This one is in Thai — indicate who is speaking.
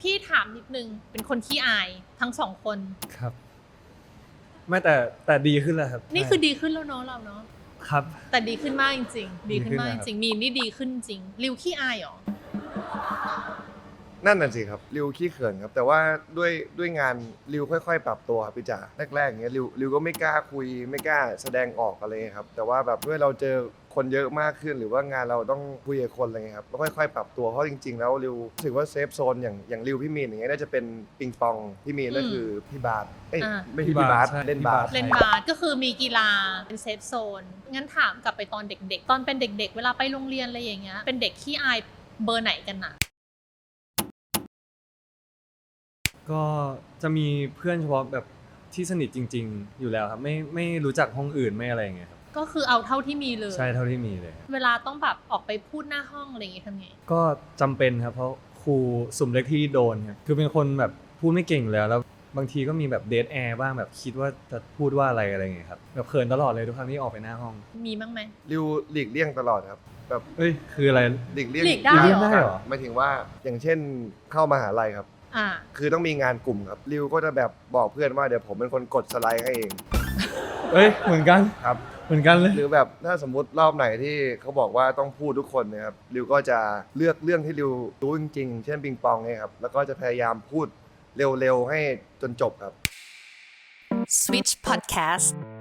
Speaker 1: พี่ถามนิดนึงเป็นคนขี้อายทั้ง2คน
Speaker 2: ครับไม่แต่ดีขึ้นแล้วครับ
Speaker 1: นี่คือดีขึ้นแล้วเนาะเราเนาะ
Speaker 2: ครับ
Speaker 1: แต่ดีขึ้นมากจริงๆดีขึ้นมากจ
Speaker 2: ดีขึ้นนะครับ
Speaker 1: ริงๆมีนนี่ดีขึ้นจริงริวขี้อายเหรอ
Speaker 3: นั่นน่ะสิครับริวขี้เขินครับแต่ว่าด้วยงานริวค่อยๆปรับตัวครับพี่จ๋าแรกๆอย่างเงี้ยริวก็ไม่กล้าคุยไม่กล้าแสดงออกอะไรครับแต่ว่าแบบด้วยเราเจอคนเยอะมากขึ้นหรือว่างานเราต้องคุยกับคนอะไรเงี้ยครับก็ค่อยๆปรับตัวเพราะจริงๆแล้วริวรู้สึกว่าเซฟโซนอย่างริวพี่มีนอย่างเงี้ยน่าจะเป็นปิงปองพี่มีนก็คือพี่บาสไม่ใช่พี่บาส
Speaker 2: ใช่
Speaker 3: เล่นบาส
Speaker 1: เล่นบาสก็คือมีกีฬาเป็นเซฟโซนงั้นถามกลับไปตอนเด็กๆตอนเป็นเด็กๆเวลาไปโรงเรียนอะไรอย่างเงี้ยเป็นเด็กขี้อายเบอร์ไหนกันน่ะ
Speaker 2: ก็จะมีเพื่อนเฉพาะแบบที่สนิทจริงๆอยู่แล้วครับไม่รู้จักห้องอื่นไม่อะไรอย่างเงี้ยครับ
Speaker 1: ก็คือเอาเท่าที่มีเลย
Speaker 2: ใช่เท่าที่มีเลยครับ
Speaker 1: เวลาต้องแบบออกไปพูดหน้าห้องอะไรอย่างงี้ทำไง
Speaker 2: ก็จำเป็นครับเพราะครูสุ่มเล็กที่โดนครับคือเป็นคนแบบพูดไม่เก่งอยู่แล้วบางทีก็มีแบบเดทแอร์บ้างแบบคิดว่าจะพูดว่าอะไรอย่างเงี้ยครับแบบเขินตลอดเลยทุกครั้งที่ออกไปหน้าห้อง
Speaker 1: มีบ้างไหม
Speaker 3: ริวหลีกเลี่ยงตลอดครับแบบ
Speaker 2: เอ้ยคืออะไร
Speaker 3: หลีกเลี่ยง
Speaker 1: หลีกได้เหรอ
Speaker 2: ได้เหรอ
Speaker 3: หมายถึงว่าอย่างเช่นเข้ามหาลัยครับ
Speaker 1: อ่า
Speaker 3: คือต้องมีงานกลุ่มครับริวก็จะแบบบอกเพื่อนว่าเดี๋ยวผมเป็นคนกดสไลด์ให้เอง
Speaker 2: เอ้ยเหมือนกัน
Speaker 3: ครับ
Speaker 2: เหมือนกันเลย
Speaker 3: หรือแบบถ้าสมมุติรอบไหนที่เขาบอกว่าต้องพูดทุกคนนะครับริวก็จะเลือกเรื่องที่ริวรู้จริงๆเช่นปิงปองเนี่ยครับแล้วก็จะพยายามพูดเร็วๆให้จนจบครับ
Speaker 4: Switch Podcast